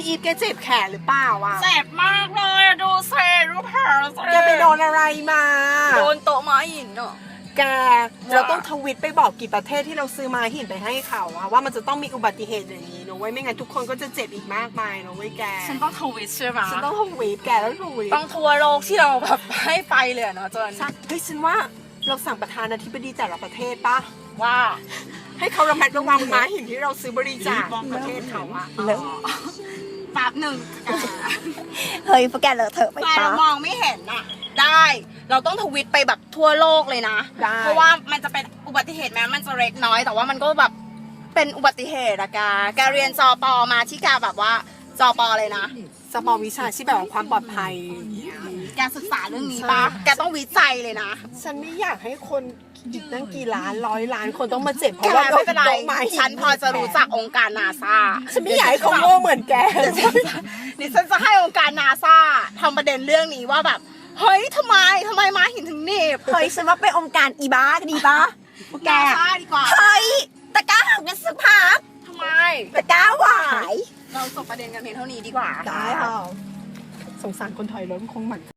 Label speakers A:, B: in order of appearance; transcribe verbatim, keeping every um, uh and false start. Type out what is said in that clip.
A: พี่อีฟแกเจ็บแขนหรือเปล่าวะ
B: เจ็บมากเลยดูเซรูปแผลสิ
A: แกไปโดนอะไรมา
B: โดนโต๊ะม้าหินเนาะ
A: แกเราต้องทวิตไปบอกกี่ประเทศที่เราซื้อมาหินไปให้เขาอะว่ามันจะต้องมีอุบัติเหตุอย่างนี้นะเว้ยไม่งั้นทุกคนก็จะเจ็บอีกมากมายนะเว้ยแก
B: ฉันต้องทวิตใช่ไหม
A: ฉันต้องทวีตแกแล้วทวีต
B: ต้องทัวร์โลกที่เราแบบให้ไปเลยเนาะจน
A: ใช่เฮ้ยฉันว่าเราสั่งประธานาธิบดีแต่ละประเทศปะ
B: ว่า
A: ให้เขาระมัดระวังม้าหินที่เราซื้อบริจาคประเทศเขาอะ
B: แล้วแป๊บหนึ่ง
C: เฮ้ยพวกแกเลอะเถอะไป
B: แต่
C: ปะ
B: เรามองไม่เห็นอะได้เราต้องทวิตไปแบบทั่วโลกเลยนะ เพราะว่ามันจะเป็นอุบัติเหตุแม้มันจะเล็กน้อย แต่ว่ามันก็แบบเป็นอุบัติเหตุอะแกแกเรียนจอปอมาที่แกแบบว่าจอปอเลยนะ
A: สปอร์วิชาชีพแบบว่าความปลอดภัย
B: แกศึกษาเรื่องนี้ปะแกต้องวิจัยเลยนะ
A: ฉันไม่อยากให้คนอีกตั้งกี่ล้านร้อยล้านคนต้องมาเจ็บเพ
B: แก
A: ราะว่า
B: ไม่เป็นไร
A: โดม้หิ
B: ฉันพอจะรู้จักองค์การนาซา
A: ฉันไม่อยากให้เขาโง่เหมือนแก
B: ดิฉันจะให้องค์การนาซาทำประเด็นเรื่องนี้ว่าแบบเฮ้ยทำไมทำไมม้าหินถึงหนีบ
C: เฮ้ยฉันว่าไปองค์การอีบ้าก็ดีปะพวกแก
B: นาซาดีกว่า
C: เฮ้ยตะกร้าหักกันสักพัก
B: ทำไม
C: ตะกร้าหวาย
B: เราจบประเด็นกันเพียงเท่านี้ดีกว่า
A: ได้ค่ะสงสารคนถอยรถคงหมัน